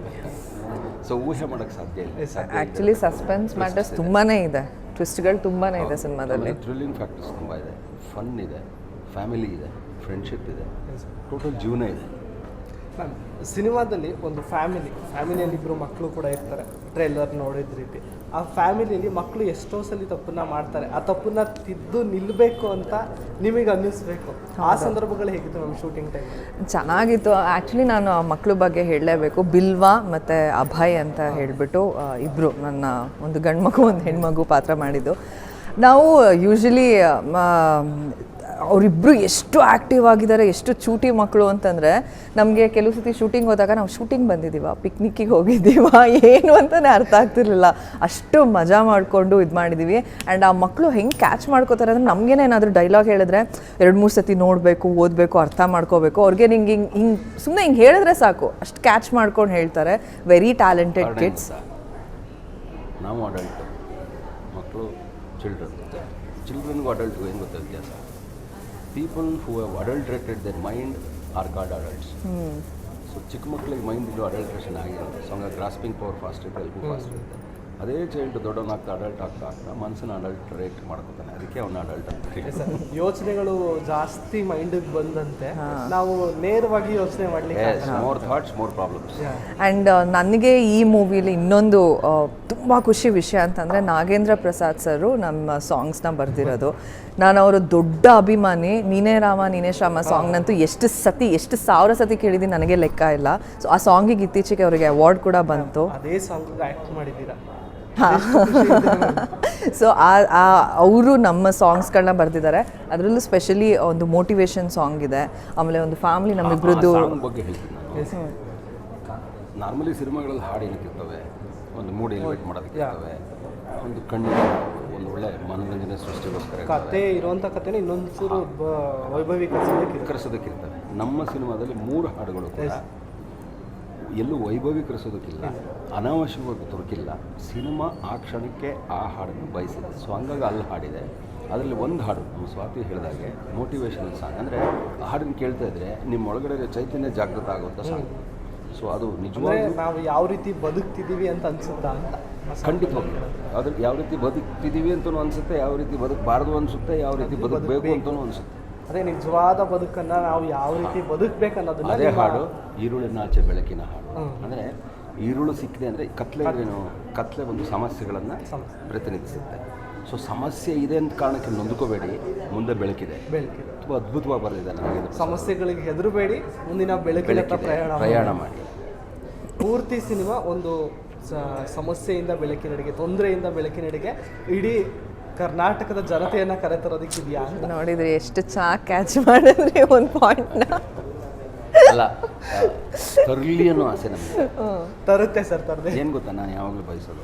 ಸೊ ಊಹೆ ಮಾಡೋಕ್ಕೆ ಸಾಧ್ಯ ಇಲ್ಲ.
ಆ್ಯಕ್ಚುಲಿ ಸಸ್ಪೆನ್ಸ್ ಮ್ಯಾಟರ್ಸ್ ತುಂಬಾ ಇದೆ, ಟ್ವಿಸ್ಟ್ಗಳು ತುಂಬಾ ಇದೆ ಸಿನಿಮಾದಲ್ಲಿ.
ಥ್ರಿಲ್ಲಿಂಗ್ ಫ್ಯಾಕ್ಟರ್ಸ್ ತುಂಬ ಇದೆ, ಫನ್ ಇದೆ, ಫ್ಯಾಮಿಲಿ ಇದೆ, ಫ್ರೆಂಡ್ಶಿಪ್ ಇದೆ, ಟೋಟಲ್ ಜೀವನ ಇದೆ.
ಮ್ಯಾಮ್, ಸಿನಿಮಾದಲ್ಲಿ ಒಂದು ಫ್ಯಾಮಿಲಿ ಫ್ಯಾಮಿಲಿಯಲ್ಲಿ ಇಬ್ಬರು ಮಕ್ಕಳು ಕೂಡ ಇರ್ತಾರೆ. ಟ್ರೈಲರ್ ನೋಡಿದ ರೀತಿ ಆ ಫ್ಯಾಮಿಲಿಯಲ್ಲಿ ಮಕ್ಕಳು ಎಷ್ಟೋ ಸಲ ತಪ್ಪನ್ನ ಮಾಡ್ತಾರೆ. ಆ ತಪ್ಪನ್ನ ತಿದ್ದು ನಿಲ್ಲಬೇಕು ಅಂತ ನಿಮಗೆ ಅನ್ನಿಸ್ಬೇಕು. ಆ ಸಂದರ್ಭಗಳು ಹೇಗಿತ್ತು ನಮ್ಮ ಶೂಟಿಂಗ್ ಟೈಮ್?
ಚೆನ್ನಾಗಿತ್ತು. ಆ್ಯಕ್ಚುಲಿ ನಾನು ಆ ಮಕ್ಕಳ ಬಗ್ಗೆ ಹೇಳಲೇಬೇಕು. ಬಿಲ್ವಾ ಮತ್ತು ಅಭಯ್ ಅಂತ ಹೇಳಿಬಿಟ್ಟು ಇಬ್ಬರು, ನನ್ನ ಒಂದು ಗಂಡು ಮಗು ಒಂದು ಹೆಣ್ಮಗು ಪಾತ್ರ ಮಾಡಿದ್ದು. ನಾವು ಯೂಶ್ವಲಿ ಅವರಿಬ್ಬರು ಎಷ್ಟು ಆ್ಯಕ್ಟಿವ್ ಆಗಿದ್ದಾರೆ, ಎಷ್ಟು ಚೂಟಿ ಮಕ್ಕಳು ಅಂತಂದರೆ ನಮಗೆ ಕೆಲವು ಸತಿ ಶೂಟಿಂಗ್ ಹೋದಾಗ ನಾವು ಶೂಟಿಂಗ್ ಬಂದಿದ್ದೀವ, ಪಿಕ್ನಿಕ್ಕಿಗೆ ಹೋಗಿದ್ದೀವ ಏನು ಅಂತಲೇ ಅರ್ಥ ಆಗ್ತಿರ್ಲಿಲ್ಲ. ಅಷ್ಟು ಮಜಾ ಮಾಡಿಕೊಂಡು ಇದು ಮಾಡಿದ್ದೀವಿ. ಆ್ಯಂಡ್ ಆ ಮಕ್ಕಳು ಹೆಂಗೆ ಕ್ಯಾಚ್ ಮಾಡ್ಕೋತಾರೆ ಅಂದರೆ ನಮಗೇನೆ ಏನಾದರೂ ಡೈಲಾಗ್ ಹೇಳಿದ್ರೆ ಎರಡು ಮೂರು ಸತಿ ನೋಡಬೇಕು, ಓದಬೇಕು, ಅರ್ಥ ಮಾಡ್ಕೋಬೇಕು. ಅವ್ರಿಗೆ ಹಿಂಗೆ ಹಿಂಗೆ ಹಿಂಗೆ ಸುಮ್ಮನೆ ಹಿಂಗೆ ಹೇಳಿದ್ರೆ ಸಾಕು, ಅಷ್ಟು ಕ್ಯಾಚ್ ಮಾಡ್ಕೊಂಡು ಹೇಳ್ತಾರೆ. Very talented kids.
ನಾವು ಅಡಲ್ಟ್, ಮಕ್ಕಳು ಚಿಲ್ಡ್ರನ್. ಚಿಲ್ಡ್ರನ್ಗೂ ಅಡಲ್ಟ್ಗೂ ಏನು ಗೊತ್ತಾ ವ್ಯತ್ಯಾಸ? People who have adulterated their mind are called adults. So ಚಿಕ್ಕ ಮಕ್ಕಳಿಗೆ ಮೈಂಡ್ ಇದು ಅಡಲ್ಟ್ರೇಷನ್ ಆಗಿರುತ್ತೆ. ಸೊ ಹಂಗಾಗಿ ಗ್ರಾಸ್ಪಿಂಗ್ ಪವರ್ ಫಾಸ್ಟ್ ಇರುತ್ತೆ, ಎಲ್ಗೂ ಫಾಸ್ಟ್ ಇರುತ್ತೆ. ಅದೇ ಚೈಲ್ಡ್ ದೊಡ್ಡವನಾಗ್ತಾ ಅಡಲ್ಟ್ ಆಗ್ತಾ ಆಗ್ತಾ ಮನಸ್ಸನ್ನ ಅಡಲ್ಟ್ರೇಟ್ ಮಾಡ್ಕೊತಾನೆ, ಅದಕ್ಕೆ ಅವನ ಅಡಲ್ಟ್ ಅಂತ ಹೇಳಿ.
ಯೋಚನೆಗಳು ಜಾಸ್ತಿ ಮೈಂಡಿಗೆ ಬಂದಂತೆ ನಾವು ನೇರವಾಗಿ ಯೋಚನೆ ಮಾಡಲಿಕ್ಕೆ
more thoughts more problems.
And ನನಗೆ ಈ ಮೂವಿಲಿ ಇನ್ನೊಂದು ತುಂಬ ಖುಷಿ ವಿಷಯ ಅಂತಂದರೆ ನಾಗೇಂದ್ರ ಪ್ರಸಾದ್ ಸರು ನಮ್ಮ ಸಾಂಗ್ಸ್ನ ಬರೆದಿರೋದು. ನಾನು ಅವರ ದೊಡ್ಡ ಅಭಿಮಾನಿ. ನೀನೇ ರಾಮ ನೀನೇ ಶ್ಯಾಮ ಸಾಂಗ್ನಂತೂ ಎಷ್ಟು ಸತಿ ಎಷ್ಟು ಸಾವಿರ ಸತಿ ಕೇಳಿದ್ದೀನಿ ನನಗೆ ಲೆಕ್ಕ ಇಲ್ಲ. ಸೊ ಆ ಸಾಂಗಿಗೆ ಇತ್ತೀಚೆಗೆ ಅವರಿಗೆ ಅವಾರ್ಡ್ ಕೂಡ ಬಂತು.
ಅದೇ ಸಾಂಗ್ ಆ್ಯಕ್ಟ್ ಮಾಡಿದ್ದೀರಾ?
ಸೊ ಆ ಅವರು ನಮ್ಮ ಸಾಂಗ್ಸ್ಗಳನ್ನ ಬರೆದಿದ್ದಾರೆ. ಅದರಲ್ಲೂ ಸ್ಪೆಷಲಿ ಒಂದು ಮೋಟಿವೇಶನ್ ಸಾಂಗ್ ಇದೆ, ಆಮೇಲೆ ಒಂದು ಫ್ಯಾಮಿಲಿ ನಮ್ಮಿಬ್ರದ್ದು
ಬಗ್ಗೆ ಹೇಳ್ತೀನಿ ನಾನು. ನಾರ್ಮಲಿ ಸಿನಿಮಾಗಳಲ್ಲಿ ಹಾಡು ಏನಕ್ಕಿರ್ತವೆ, ಒಂದು ಮೂಡ್ ಎಲಿವೇಟ್ ಮಾಡೋದಕ್ಕಿರ್ತವೆ, ಒಂದು ಕಣ್ಣಿಗೆ ಒಂದು ಒಳ್ಳೆ ಮನೋರಂಜನೆ ಸೃಷ್ಟಿಗೋಸ್ಕರ
ಕತೆ ಇರುವಂಥ ಕಥೆನ ಇನ್ನೊಂದು ಚೂರು
ವೈಭವೀಕರಿಸೋದಕ್ಕಿರ್ತವೆ. ನಮ್ಮ ಸಿನಿಮಾದಲ್ಲಿ ಮೂರು ಹಾಡುಗಳು ಕೂಡ ಎಲ್ಲೂ ವೈಭವೀಕರಿಸೋದಕ್ಕಿಲ್ಲ, ಅನಾವಶ್ಯಕವಾಗಿ ತುರುಕಿಲ್ಲ. ಸಿನಿಮಾ ಆ ಕ್ಷಣಕ್ಕೆ ಆ ಹಾಡನ್ನು ಬಯಸಿದೆ. ಸೊ ಹಂಗಾಗಿ ಅಲ್ಲಿ ಹಾಡಿದೆ. ಅದರಲ್ಲಿ ಒಂದು ಹಾಡು ನಮ್ಮ ಸ್ವಾತಿ ಹೇಳಿದಾಗೆ ಮೋಟಿವೇಶನಲ್ ಸಾಂಗ್. ಅಂದರೆ ಆ ಹಾಡನ್ನು ಕೇಳ್ತಾ ಇದ್ದರೆ ನಿಮ್ಮ ಒಳಗಡೆ ಚೈತನ್ಯ ಜಾಗೃತ ಆಗುವಂಥ ಸಾಂಗ್. ಸೊ ಅದು ನಿಜವಾಗಿ
ನಾವು ಯಾವ ರೀತಿ ಬದುಕ್ತಿದ್ದೀವಿ ಅಂತ ಅನ್ಸುತ್ತಾ ಅಂತ.
ಖಂಡಿತವಾಗಿ ಅದ್ರ ಯಾವ ರೀತಿ ಬದುಕ್ತಿದ್ದೀವಿ ಅಂತಲೂ ಅನಿಸುತ್ತೆ, ಯಾವ ರೀತಿ ಬದುಕಬಾರ್ದು ಅನಿಸುತ್ತೆ, ಯಾವ ರೀತಿ ಬದುಕಬೇಕು ಅಂತಲೂ ಅನಿಸುತ್ತೆ.
ಅದೇ ನಿಜವಾದ ಬದುಕನ್ನು ನಾವು ಯಾವ ರೀತಿ ಬದುಕಬೇಕನ್ನೋದನ್ನ
ಅದೇ ಹಾಡು ಈರುಳಿನಾಚೆ ಬೆಳಕಿನ ಹಾಡು. ಅಂದರೆ ಈರುಳು ಸಿಕ್ಕಿದೆ ಅಂದರೆ ಕತ್ಲೆ ಏನು, ಕತ್ಲೆ ಒಂದು ಸಮಸ್ಯೆಗಳನ್ನು ಪ್ರತಿನಿಧಿಸುತ್ತೆ. ಸೊ ಸಮಸ್ಯೆ ಇದೆ ಅಂತ ಕಾರಣಕ್ಕೆ ನೊಂದ್ಕೋಬೇಡಿ, ಮುಂದೆ ಬೆಳಕಿದೆ.
ಬೆಳಕಿದೆ
ತುಂಬ ಅದ್ಭುತವಾಗಿ ಬರೆದಿದ್ದಾರೆ. ನನಗೆ
ಸಮಸ್ಯೆಗಳಿಗೆ ಹೆದರಬೇಡಿ, ಮುಂದಿನ ಬೆಳಕಿನ ಪ್ರಯಾಣ
ಪ್ರಯಾಣ ಮಾಡಿ.
ಪೂರ್ತಿ ಸಿನಿಮಾ ಒಂದು ಸಮಸ್ಯೆಯಿಂದ ಬೆಳಕಿನೆಡೆಗೆ, ತೊಂದರೆಯಿಂದ ಬೆಳಕಿನೆಡೆಗೆ ಇಡೀ ಕರ್ನಾಟಕದ ಜನತೆಯನ್ನು ಕರೆತರೋದಕ್ಕಿದೆಯಾ ಅಂತ
ನೋಡಿದ್ರಿ. ಎಷ್ಟು ಚೆನ್ನಾಗಿ ಕ್ಯಾಚ್ ಮಾಡಿದ್ರಿ ಒಂದು ಪಾಯಿಂಟ್ನ.
ಅಲ್ಲ, ತರಲಿ ಅನ್ನೋ ಆಸೆ ನಮಗೆ
ತರುತ್ತೆ ಸರ್. ತರದೆ
ಏನು ಗೊತ್ತಾ, ನಾನು ಯಾವಾಗಲೂ ಬಯಸೋದು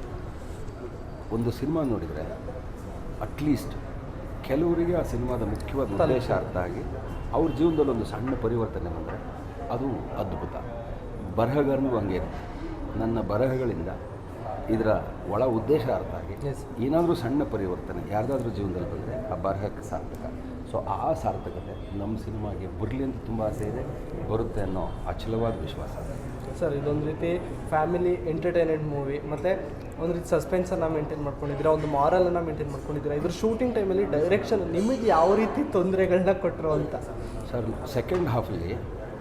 ಒಂದು ಸಿನಿಮಾ ನೋಡಿದರೆ ಅಟ್ಲೀಸ್ಟ್ ಕೆಲವರಿಗೆ ಆ ಸಿನಿಮಾದ ಮುಖ್ಯವಾದ ಉದ್ದೇಶ ಅರ್ಥ ಆಗಿ ಅವ್ರ ಜೀವನದಲ್ಲಿ ಒಂದು ಸಣ್ಣ ಪರಿವರ್ತನೆ ಬಂದರೆ ಅದು ಅದ್ಭುತ. ಬರಹಗಾರನೂ ಹಂಗೆ ಇರುತ್ತೆ. ನನ್ನ ಬರಹಗಳಿಂದ ಇದರ ಒಳ ಉದ್ದೇಶ ಅರ್ಥ ಆಗಿ ಏನಾದರೂ ಸಣ್ಣ ಪರಿವರ್ತನೆ ಯಾರ್ದಾದ್ರೂ ಜೀವನದಲ್ಲಿ ಬಂದರೆ ಆ ಬರಹಕ್ಕೆ ಸಾರ್ಥಕ. ಸೊ ಆ ಸಾರ್ಥಕತೆ ನಮ್ಮ ಸಿನಿಮಾಗೆ ಬರಲಿ ಅಂತ ತುಂಬ ಆಸೆ ಇದೆ, ಬರುತ್ತೆ ಅನ್ನೋ ಅಚಲವಾದ ವಿಶ್ವಾಸ
ಸರ್. ಇದೊಂದು ರೀತಿ ಫ್ಯಾಮಿಲಿ ಎಂಟರ್ಟೈನ್ಮೆಂಟ್ ಮೂವಿ, ಮತ್ತು ಒಂದು ರೀತಿ ಸಸ್ಪೆನ್ಸನ್ನು ಮೇಂಟೈನ್ ಮಾಡ್ಕೊಂಡಿದ್ದೀರಾ, ಒಂದು ಮಾರಲನ್ನು ಮೇಂಟೈನ್ ಮಾಡ್ಕೊಂಡಿದ್ದೀರಾ. ಇದ್ರ ಶೂಟಿಂಗ್ ಟೈಮಲ್ಲಿ ಡೈರೆಕ್ಷನ್ ನಿಮಗೆ ಯಾವ ರೀತಿ ತೊಂದರೆಗಳನ್ನ ಕೊಟ್ಟರು ಅಂತ?
ಸರ್, ಸೆಕೆಂಡ್ ಹಾಫಲ್ಲಿ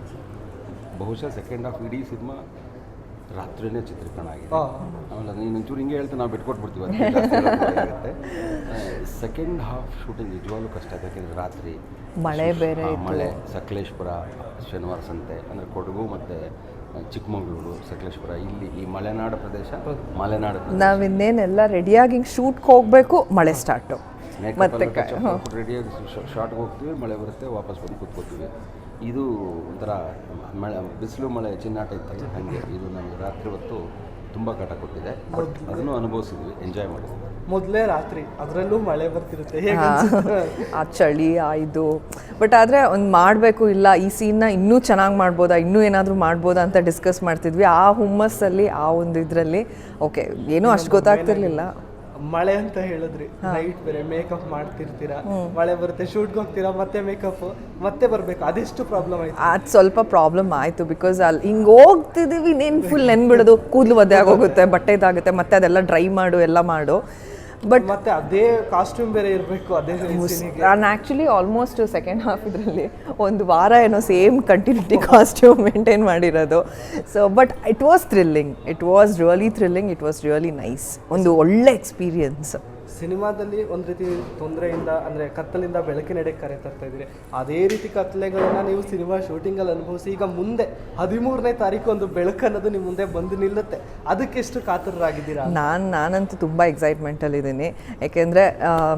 ಬಹುಶಃ ಸೆಕೆಂಡ್ ಹಾಫ್ ಇಡೀ ಸಿನಿಮಾ ರಾತ್ರಿಯೇ ಚಿತ್ರೀಕರಣ ಆಗಿದೆ. ಆಮೇಲೆ ನೀನು ಒಂಚೂರು ಹಿಂಗೆ ಹೇಳ್ತಾ ನಾವು ಬಿಟ್ಕೊಟ್ಬಿಡ್ತೀವಿ ಆಗುತ್ತೆ. ಸೆಕೆಂಡ್ ಹಾಫ್ ಶೂಟಿಂಗ್ ನಿಜವಾಗ್ಲೂ ಕಷ್ಟ ಆಗುತ್ತೆ. ಯಾಕೆಂದರೆ ರಾತ್ರಿ
ಮಳೆ ಬೇರೆ,
ಮಳೆ, ಸಕಲೇಶ್ಪುರ, ಶನಿವಾರ ಸಂತೆ ಅಂದರೆ ಕೊಡಗು ಮತ್ತು ಚಿಕ್ಕಮಗಳೂರು, ಸಕಲೇಶ್ಪುರ, ಇಲ್ಲಿ ಈ ಮಲೆನಾಡು ಪ್ರದೇಶ. ಮಲೆನಾಡು
ನಾವು ಇನ್ನೇನೆಲ್ಲ ರೆಡಿಯಾಗಿ ಹಿಂಗೆ ಶೂಟ್ಗೆ ಹೋಗಬೇಕು, ಮಳೆ ಸ್ಟಾರ್ಟು.
ಮತ್ತೆ ರೆಡಿಯಾಗಿ ಶಾರ್ಟ್ಗೆ ಹೋಗ್ತೀವಿ, ಮಳೆ ಬರುತ್ತೆ, ವಾಪಸ್ ಬಂದು ಕೂತ್ಕೋತೀವಿ. ಇದು ಒಂಥರ ಮಳೆ, ಬಿಸಿಲು ಮಳೆ ಚಿನ್ನಾಟ ಇತ್ತಲ್ಲ ಹಾಗೆ. ಇದು ನಮಗೆ ರಾತ್ರಿ ಹೊತ್ತು ತುಂಬ ಕಾಟ ಕೊಟ್ಟಿದೆ. ಬಟ್ ಅದನ್ನು ಅನುಭವಿಸಿದ್ವಿ, ಎಂಜಾಯ್ ಮಾಡಿದ್ವಿ.
ಮೊದಲೇ ರಾತ್ರಿ ಅದರಲ್ಲೂ ಮಳೆ ಬರ್ತಿರುತ್ತೆ,
ಆ ಚಳಿ ಆ ಇದು. ಬಟ್ ಆದರೆ ಒಂದು ಮಾಡಬೇಕು, ಇಲ್ಲ ಈ ಸೀನ್ನ ಇನ್ನೂ ಚೆನ್ನಾಗಿ ಮಾಡ್ಬೋದಾ, ಇನ್ನೂ ಏನಾದರೂ ಮಾಡ್ಬೋದಾ ಅಂತ ಡಿಸ್ಕಸ್ ಮಾಡ್ತಿದ್ವಿ. ಆ ಹುಮ್ಮಸ್ಸಲ್ಲಿ, ಆ ಒಂದು ಇದರಲ್ಲಿ ಓಕೆ ಏನೂ ಅಷ್ಟು ಗೊತ್ತಾಗ್ತಿರ್ಲಿಲ್ಲ.
ಮಳೆ ಅಂತ ಹೇಳಿದ್ರಿ, ನೈಟ್ ಬೇರೆ ಮೇಕಪ್ ಮಾಡ್ತಿರ್ತೀರಾ, ಮಳೆ ಬರುತ್ತೆ, ಶೂಟ್ಗೆ ಹೋಗ್ತೀರಾ, ಮತ್ತೆ ಮೇಕಪ್ ಮತ್ತೆ ಬರಬೇಕು, ಅದೆಷ್ಟು ಪ್ರಾಬ್ಲಮ್ ಆಯ್ತು?
ಅದು ಸ್ವಲ್ಪ ಪ್ರಾಬ್ಲಮ್ ಆಯಿತು. ಬಿಕಾಸ್ ಅಲ್ಲಿ ಹಿಂಗೆ ಹೋಗ್ತಿದ್ದೀವಿ, ನೀನು ಫುಲ್ ನೆನ್ಬಿಡೋದು, ಕೂದಲು ಒದ್ದೆ ಆಗೋಗುತ್ತೆ, ಬಟ್ಟೆ ಇದಾಗುತ್ತೆ, ಮತ್ತೆ ಅದೆಲ್ಲ ಡ್ರೈ ಮಾಡು ಎಲ್ಲ ಮಾಡು. ಬಟ್
ಮತ್ತೆ ಅದೇ ಕಾಸ್ಟ್ಯೂಮ್ ಬೇರೆ ಇರಬೇಕು. ಅದೇ
ನಾನು ಆ್ಯಕ್ಚುಲಿ ಆಲ್ಮೋಸ್ಟ್ ಸೆಕೆಂಡ್ ಹಾಫ್ ಇದರಲ್ಲಿ ಒಂದು ವಾರ ಏನೋ ಸೇಮ್ ಕಂಟಿನ್ಯೂಟಿ ಕಾಸ್ಟ್ಯೂಮ್ ಮೇಂಟೈನ್ ಮಾಡಿರೋದು. So but it was thrilling, it was really thrilling, it was really nice. ಒಂದು ಒಳ್ಳೆ ಎಕ್ಸ್ಪೀರಿಯನ್ಸ್.
ಸಿನಿಮಾದಲ್ಲಿ ಒಂದು ರೀತಿ ತೊಂದರೆಯಿಂದ ಅಂದರೆ ಕತ್ತಲಿಂದ ಬೆಳಕಿನೆಡೆಗೆ ಕರೆ ತರ್ತಾ ಇದ್ದೀರಿ. ಅದೇ ರೀತಿ ಕತ್ತಲೆಗಳನ್ನ ನೀವು ಸಿನಿಮಾ ಶೂಟಿಂಗಲ್ಲಿ ಅನುಭವಿಸಿ ಈಗ ಮುಂದೆ ಹದಿಮೂರನೇ ತಾರೀಕು ಒಂದು ಬೆಳಕು ಅನ್ನೋದು ನಿಮ್ಮ ಮುಂದೆ ಬಂದು ನಿಲ್ಲುತ್ತೆ, ಅದಕ್ಕೆಷ್ಟು ಕಾತರರಾಗಿದ್ದೀರಾ?
ನಾನು ನಾನಂತೂ ತುಂಬ ಎಕ್ಸೈಟ್ಮೆಂಟಲ್ಲಿದ್ದೀನಿ. ಯಾಕೆಂದರೆ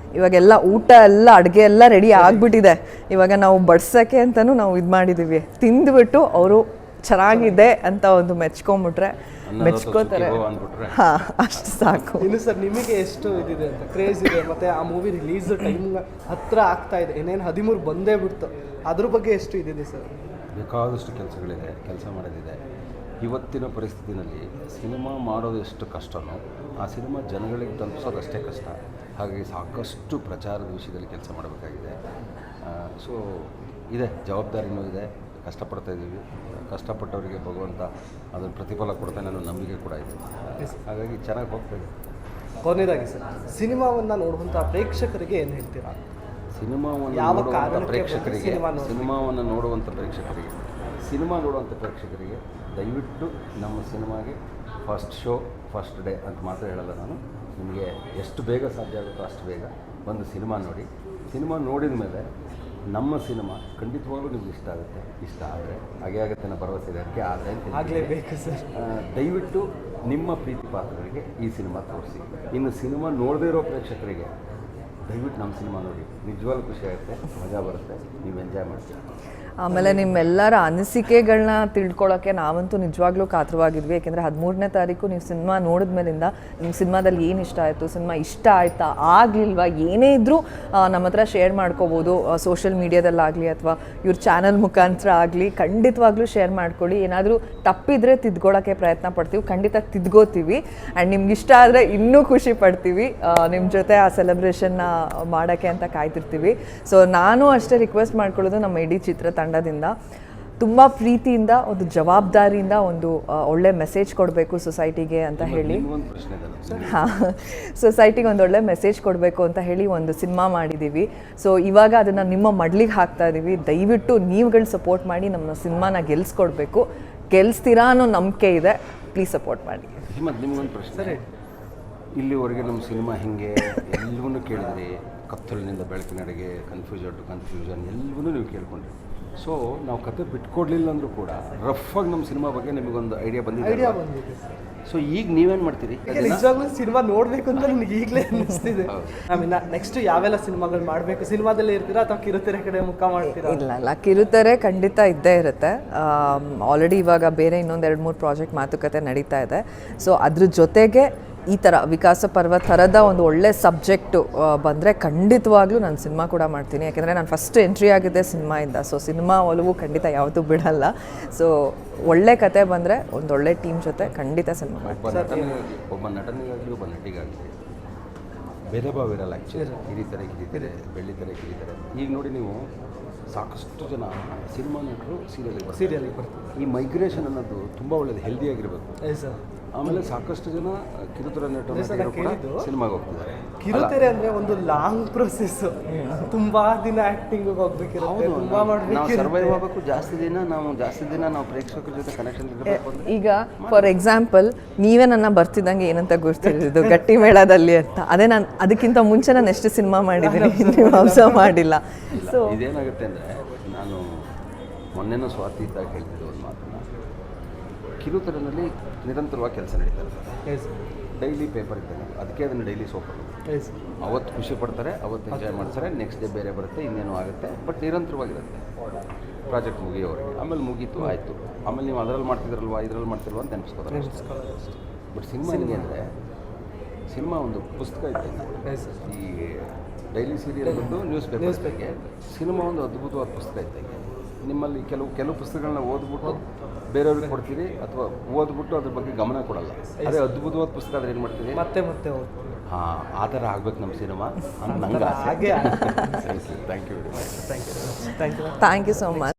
ಇವಾಗೆಲ್ಲ ಊಟ ಎಲ್ಲ ಅಡುಗೆ ಎಲ್ಲ ರೆಡಿ ಆಗಿಬಿಟ್ಟಿದೆ. ಇವಾಗ ನಾವು ಬಡ್ಸೋಕ್ಕೆ ಅಂತಲೂ ನಾವು ಇದು ಮಾಡಿದ್ದೀವಿ. ತಿಂದುಬಿಟ್ಟು ಅವರು ಚೆನ್ನಾಗಿದೆ ಅಂತ ಒಂದು ಮೆಚ್ಕೊಂಬಿಟ್ರೆ ಮೆಚ್ಕೋತಾರೆ. ಹಾಂ, ಅಷ್ಟು ಸಾಕು.
ಇನ್ನು ಸರ್ ನಿಮಗೆ ಎಷ್ಟು ಇದಿದೆ ಅಂತ ಕ್ರೇಜ್ ಇದೆ, ಮತ್ತು ಆ ಮೂವಿ ರಿಲೀಸ್ ಟೈಮ್ ಹತ್ರ ಆಗ್ತಾ ಇದೆ, ಏನೇನು ಹದಿಮೂರು ಬಂದೇ ಬಿಡ್ತು, ಅದ್ರ ಬಗ್ಗೆ ಎಷ್ಟು ಇದಿದೆ ಸರ್?
ಬೇಕಾದಷ್ಟು ಕೆಲಸಗಳಿದೆ, ಕೆಲಸ ಮಾಡೋದಿದೆ. ಇವತ್ತಿನ ಪರಿಸ್ಥಿತಿನಲ್ಲಿ ಸಿನಿಮಾ ಮಾಡೋದು ಎಷ್ಟು ಕಷ್ಟನೋ ಆ ಸಿನಿಮಾ ಜನಗಳಿಗೆ ತಲುಪಿಸೋದು ಅಷ್ಟೇ ಕಷ್ಟ. ಹಾಗಾಗಿ ಸಾಕಷ್ಟು ಪ್ರಚಾರದ ವಿಷಯದಲ್ಲಿ ಕೆಲಸ ಮಾಡಬೇಕಾಗಿದೆ. ಸೊ ಇದೆ, ಜವಾಬ್ದಾರಿನೂ ಇದೆ, ಕಷ್ಟಪಡ್ತಾ ಇದ್ದೀವಿ. ಕಷ್ಟಪಟ್ಟವರಿಗೆ ಭಗವಂತ ಅದನ್ನು ಪ್ರತಿಫಲ ಕೊಡ್ತಾನೆ ಅನ್ನೋ ನಂಬಿಕೆ ಕೂಡ ಇದೆ. ಹಾಗಾಗಿ ಚೆನ್ನಾಗಿ ಹೋಗ್ತಾಯಿದೆ.
ಕೊನೆಯದಾಗಿ ಸರ್, ಸಿನಿಮಾವನ್ನು ನೋಡುವಂಥ ಪ್ರೇಕ್ಷಕರಿಗೆ ಏನು ಹೇಳ್ತೀರಾ?
ಸಿನಿಮಾವನ್ನು
ಯಾವ
ನೋಡುವಂಥ
ಕಾರಣಕ್ಕೆ
ಪ್ರೇಕ್ಷಕರಿಗೆ
ಸಿನಿಮಾ ನೋಡ್ಬೇಕು?
ಸಿನಿಮಾವನ್ನು ನೋಡುವಂಥ ಪ್ರೇಕ್ಷಕರಿಗೆ ಸಿನಿಮಾ ನೋಡುವಂಥ ಪ್ರೇಕ್ಷಕರಿಗೆ ದಯವಿಟ್ಟು ನಮ್ಮ ಸಿನಿಮಾಗೆ ಫಸ್ಟ್ ಶೋ ಫಸ್ಟ್ ಡೇ ಅಂತ ಮಾತ್ರ ಹೇಳಲ್ಲ ನಾನು. ನಿಮಗೆ ಎಷ್ಟು ಬೇಗ ಸಾಧ್ಯ ಆಗುತ್ತೋ ಅಷ್ಟು ಬೇಗ ಒಂದು ಸಿನಿಮಾ ನೋಡಿ. ಸಿನಿಮಾ ನೋಡಿದ ಮೇಲೆ ನಮ್ಮ ಸಿನಿಮಾ ಖಂಡಿತವಾಗ್ಲೂ ನಿಮ್ಗೆ ಇಷ್ಟ ಆಗುತ್ತೆ. ಇಷ್ಟ ಆದರೆ ಹಾಗೆ ಆಗುತ್ತೆ ಅನ್ನೋ ಭರವಸೆ ಇದೆ. ಅದಕ್ಕೆ ಆದರೆ
ಆಗಲೇಬೇಕು ಸರ್.
ದಯವಿಟ್ಟು ನಿಮ್ಮ ಪ್ರೀತಿ ಪಾತ್ರರಿಗೆ ಈ ಸಿನಿಮಾ ತೋರಿಸಿ. ಇನ್ನು ಸಿನಿಮಾ ನೋಡದೇ ಇರೋ ಪ್ರೇಕ್ಷಕರಿಗೆ ದಯವಿಟ್ಟು ನಮ್ಮ ಸಿನಿಮಾ ನೋಡಿ. ನಿಜವಾಗ್ಲೂ ಖುಷಿ ಆಗುತ್ತೆ, ಮಜಾ ಬರುತ್ತೆ, ನೀವು ಎಂಜಾಯ್ ಮಾಡ್ತೀರಾ.
ಆಮೇಲೆ ನಿಮ್ಮೆಲ್ಲರ ಅನಿಸಿಕೆಗಳನ್ನ ತಿಳ್ಕೊಳ್ಳೋಕ್ಕೆ ನಾವಂತೂ ನಿಜವಾಗ್ಲೂ ಕಾತರವಾಗಿದ್ವಿ. ಯಾಕೆಂದರೆ ಹದಿಮೂರನೇ ತಾರೀಕು ನೀವು ಸಿನಿಮಾ ನೋಡಿದ ಮೇಲಿಂದ ನಿಮ್ಮ ಸಿನಿಮಾದಲ್ಲಿ ಏನು ಇಷ್ಟ ಆಯಿತು, ಸಿನಿಮಾ ಇಷ್ಟ ಆಯಿತಾ ಆಗಲಿಲ್ವಾ, ಏನೇ ಇದ್ದರೂ ನಮ್ಮ ಹತ್ರ ಶೇರ್ ಮಾಡ್ಕೋಬೋದು. ಸೋಷಿಯಲ್ ಮೀಡಿಯಾದಲ್ಲಾಗಲಿ ಅಥವಾ ಇವ್ರ ಚಾನಲ್ ಮುಖಾಂತರ ಆಗಲಿ ಖಂಡಿತವಾಗ್ಲೂ ಶೇರ್ ಮಾಡ್ಕೊಳ್ಳಿ. ಏನಾದರೂ ತಪ್ಪಿದರೆ ತಿದ್ಕೊಳ್ಳೋಕ್ಕೆ ಪ್ರಯತ್ನ ಪಡ್ತೀವಿ, ಖಂಡಿತ ತಿದ್ಕೋತೀವಿ. ಆ್ಯಂಡ್ ನಿಮ್ಗೆ ಇಷ್ಟ ಆದರೆ ಇನ್ನೂ ಖುಷಿ ಪಡ್ತೀವಿ. ನಿಮ್ಮ ಜೊತೆ ಆ ಸೆಲೆಬ್ರೇಷನ್ನ ಮಾಡೋಕ್ಕೆ ಅಂತ ಕಾಯ್ತಿರ್ತೀವಿ. ಸೊ ನಾನು ಅಷ್ಟೇ ರಿಕ್ವೆಸ್ಟ್ ಮಾಡ್ಕೊಳ್ಳೋದು ನಮ್ಮ ಇಡೀ ಚಿತ್ರತಂಡ ತಂಡದಿಂದ ತುಂಬ ಪ್ರೀತಿಯಿಂದ ಒಂದು ಜವಾಬ್ದಾರಿಯಿಂದ ಒಂದು ಒಳ್ಳೆ ಮೆಸೇಜ್ ಕೊಡಬೇಕು ಸೊಸೈಟಿಗೆ ಅಂತ ಹೇಳಿ, ಹಾಂ ಸೊಸೈಟಿಗೆ ಒಂದು ಒಳ್ಳೆ ಮೆಸೇಜ್ ಕೊಡಬೇಕು ಅಂತ ಹೇಳಿ ಒಂದು ಸಿನಿಮಾ ಮಾಡಿದ್ದೀವಿ. ಸೊ ಇವಾಗ ಅದನ್ನು ನಿಮ್ಮ ಮಡ್ಲಿಗೆ ಹಾಕ್ತಾ ಇದ್ದೀವಿ. ದಯವಿಟ್ಟು ನೀವುಗಳು ಸಪೋರ್ಟ್ ಮಾಡಿ ನಮ್ಮ ಸಿನಿಮಾನ ಗೆಲ್ಸ್ಕೊಡ್ಬೇಕು. ಗೆಲ್ಲಿಸ್ತೀರಾ ಅನ್ನೋ ನಂಬಿಕೆ ಇದೆ. ಪ್ಲೀಸ್ ಸಪೋರ್ಟ್ ಮಾಡಿ.
ಮತ್ತು ನಿಮಗೊಂದು ಪ್ರಶ್ನೆ, ಇಲ್ಲಿವರೆಗೆ ನಮ್ಮ ಸಿನಿಮಾ ಹಿಂಗೆ ಎಲ್ಲವನ್ನೂ ಕೇಳಿದ್ರಿ. ಕತ್ತಲಿನಿಂದ ಬೆಳಕಿನಡೆಗೆ, ಕನ್ಫ್ಯೂಷನ್ ಟು ಕನ್ಫ್ಯೂಷನ್ ಎಲ್ಲವನ್ನೂ ನೀವು ಕೇಳ್ಕೊಂಡ್ರಿ. ಸೊ ನಾವು ಕತೆ ಬಿಟ್ಕೊಡ್ಲಿಲ್ಲ ಅಂದರೂ ಕೂಡ ರಫಾಗಿ ನಮ್ಮ ಸಿನಿಮಾ ಬಗ್ಗೆ ನಿಮಗೊಂದು ಐಡಿಯಾ ಬಂದಿದೆ.
ಐಡಿಯಾ ಬಂದಿದೆ.
ಸೊ ಈಗ ನೀವೇನು ಮಾಡ್ತೀರಿ?
ನಿಜವಾಗ್ಲೂ ಸಿನಿಮಾ ನೋಡಬೇಕು ಅಂತ ನನಗೆ ಈಗಲೇ ಅನ್ನಿಸ್ತಿದೆ. ಆಮೇಲೆ ನೆಕ್ಸ್ಟ್ ಯಾವೆಲ್ಲ ಸಿನಿಮಾಗಳು ಮಾಡಬೇಕು? ಸಿನಿಮಾದಲ್ಲೇ ಇರ್ತೀರಾ ಅಥವಾ ಕಿರುತೆರೆ ಕಡೆ ಮುಖ ಮಾಡ್ತೀರಾ?
ಇಲ್ಲ ಇಲ್ಲ, ಕಿರುತೆರೆ ಖಂಡಿತ ಇದ್ದೇ ಇರುತ್ತೆ. ಆಲ್ರೆಡಿ ಇವಾಗ ಬೇರೆ ಇನ್ನೊಂದು ಎರಡು ಮೂರು ಪ್ರಾಜೆಕ್ಟ್ ಮಾತುಕತೆ ನಡೀತಾ ಇದೆ. ಸೊ ಅದ್ರ ಜೊತೆಗೆ ಈ ಥರ ವಿಕಾಸ ಪರ್ವ ಥರದ ಒಂದು ಒಳ್ಳೆ ಸಬ್ಜೆಕ್ಟು ಬಂದರೆ ಖಂಡಿತವಾಗ್ಲೂ ನಾನು ಸಿನಿಮಾ ಕೂಡ ಮಾಡ್ತೀನಿ. ಯಾಕೆಂದರೆ ನಾನು ಫಸ್ಟ್ ಎಂಟ್ರಿ ಆಗಿದ್ದೆ ಸಿನಿಮಾಯಿಂದ. ಸೊ ಸಿನಿಮಾ ಒಲವು ಖಂಡಿತ ಯಾವತ್ತೂ ಬಿಡಲ್ಲ. ಸೊ ಒಳ್ಳೆ ಕತೆ ಬಂದರೆ ಒಂದು ಒಳ್ಳೆ ಟೀಮ್ ಜೊತೆ ಖಂಡಿತ ಸಿನಿಮಾ ಮಾಡ್ತೀನಿ.
ಒಬ್ಬ ನಟನಿಗಾಗಿ ಒಬ್ಬ ನಟನಿಗಾಗಲಿ ಒಬ್ಬ ನಟಿಗಾಗಲಿ ಭೇದ ಭಾವ ಇರಲ್ಲ. ಆ್ಯಕ್ಚುಲಿ ಹಿರಿತಾರೆ ಕಿರಿತಾರೆ, ಬೆಳ್ಳಿತಾರೆ ಕಿರಿತಾರೆ. ಈಗ ನೋಡಿ ನೀವು ಸಾಕಷ್ಟು ಜನ ಸಿನಿಮಾ ನಟರು ಸೀರಿಯಲಿಗೆ
ಸೀರಿಯಲಿಗೆ ಬರ್ತಾರೆ.
ಈ ಮೈಗ್ರೇಷನ್ ಅನ್ನೋದು ತುಂಬ ಒಳ್ಳೆಯದು, ಹೆಲ್ದಿಯಾಗಿರಬೇಕು.
ಸರ್
ಆಮೇಲೆ ಸಾಕಷ್ಟು ಜನ ಕಿರುತೆರೆ ನಟರು ಸಿನಿಮಾಗೆ ಹೋಗ್ತಿದ್ದಾರೆ.
ಕಿರುತೆರೆ ಅಂದ್ರೆ ಒಂದು ಲಾಂಗ್ ಪ್ರೊಸೆಸ್. ತುಂಬಾ ದಿನ ಆಕ್ಟಿಂಗ್ ಹೋಗ್ಬೇಕಿರುತ್ತೆ, ತುಂಬಾ ಮಾಡ್ಬೇಕು,
ಸರ್ವೈವ್ ಆಗಬೇಕು. ಜಾಸ್ತಿ ದಿನ ನಾವು ಜಾಸ್ತಿ ದಿನ ನಾವು ಪ್ರೇಕ್ಷಕರ ಜೊತೆ ಕನೆಕ್ಷನ್ ಇರಬೇಕು.
ಈಗ ಫಾರ್ ಎಕ್ಸಾಂಪಲ್ ನೀವೇ ನನ್ನ ಬರ್ತಿದ್ದಂಗೆ ಏನಂತ ಗೊತ್ತಿರೋದು ಗಟ್ಟಿ ಮೇಳದಲ್ಲಿ ಅಂತ. ಅದೇ ನಾನು ಅದಕ್ಕಿಂತ ಮುಂಚೆ ನಾನು ಎಷ್ಟು ಸಿನಿಮಾ ಮಾಡಿದ್ದೀನಿ ನೀವು ಅಬ್ಸರ್ವ್ ಮಾಡಿಲ್ಲ.
ಸೊ ಇದೇನಾಗುತ್ತೆ ಅಂದರೆ, ನಾನು ಮೊನ್ನೆನೂ ಸ್ವಾತಿ ಇದ್ದಾಗ ಹೇಳ್ತಿದ್ದೆ ಒಂದು ಮಾತನ್ನು. ಕಿರುತೆರೆನಲ್ಲಿ ನಿರಂತರವಾಗಿ ಕೆಲಸ ನಡೀತಾ ಇರ್ತದೆ. ಡೈಲಿ ಪೇಪರ್ ಇದ್ದಂಗೆ, ಅದಕ್ಕೆ ಅದನ್ನು ಡೈಲಿ ಸೋಪ್ ಅವತ್ತು ಖುಷಿ ಪಡ್ತಾರೆ, ಅವತ್ತು ಎಂಜಾಯ್ ಮಾಡ್ತಾರೆ. ನೆಕ್ಸ್ಟ್ ಡೇ ಬೇರೆ ಬರುತ್ತೆ, ಇನ್ನೇನೋ ಆಗುತ್ತೆ. ಬಟ್ ನಿರಂತರವಾಗಿರುತ್ತೆ ಪ್ರಾಜೆಕ್ಟ್ ಮುಗಿಯೋವರೆಗೆ. ಆಮೇಲೆ ಮುಗೀತು, ಆಯಿತು. ಆಮೇಲೆ ನೀವು ಅದರಲ್ಲಿ ಮಾಡ್ತಿದ್ರಲ್ವಾ, ಇದರಲ್ಲಿ ಮಾಡ್ತಿಲ್ವಾ ಅಂತ ನೆನೆಸ್ಕೋತಾರೆ. ಬಟ್ ಸಿನಿಮಾ ಹೆಂಗೆ ಅಂದರೆ, ಸಿನಿಮಾ ಒಂದು ಪುಸ್ತಕ ಇದ್ದಂಗೆ. ಈ ಡೈಲಿ ಸೀರಿಯಲ್ ಬಂದು ನ್ಯೂಸ್ ಪೇಪರ್ಗೆ, ಸಿನಿಮಾ ಒಂದು ಅದ್ಭುತವಾದ ಪುಸ್ತಕ ಇದ್ದಂಗೆ. ನಿಮ್ಮಲ್ಲಿ ಕೆಲವು ಕೆಲವು ಪುಸ್ತಕಗಳನ್ನ ಓದ್ಬಿಟ್ಟು ಬೇರೆಯವ್ರಿಗೆ ಕೊಡ್ತೀರಿ, ಅಥವಾ ಓದ್ಬಿಟ್ಟು ಅದ್ರ ಬಗ್ಗೆ ಗಮನ ಕೊಡಲ್ಲ. ಅದೇ ಅದ್ಭುತವಾದ ಪುಸ್ತಕ ಆದರೆ ಏನು ಮಾಡ್ತೀರಿ,
ಮತ್ತೆ ಮತ್ತೆ
ಹಾಂ ಆ ಥರ ಆಗ್ಬೇಕು ನಮ್ಮ ಸಿನಿಮಾ ಅಂತ ನಂಗೆ ಆಸೆ.
ಹಾಗೆ.
Thank you very much.
Thank you thank you
thank you so much.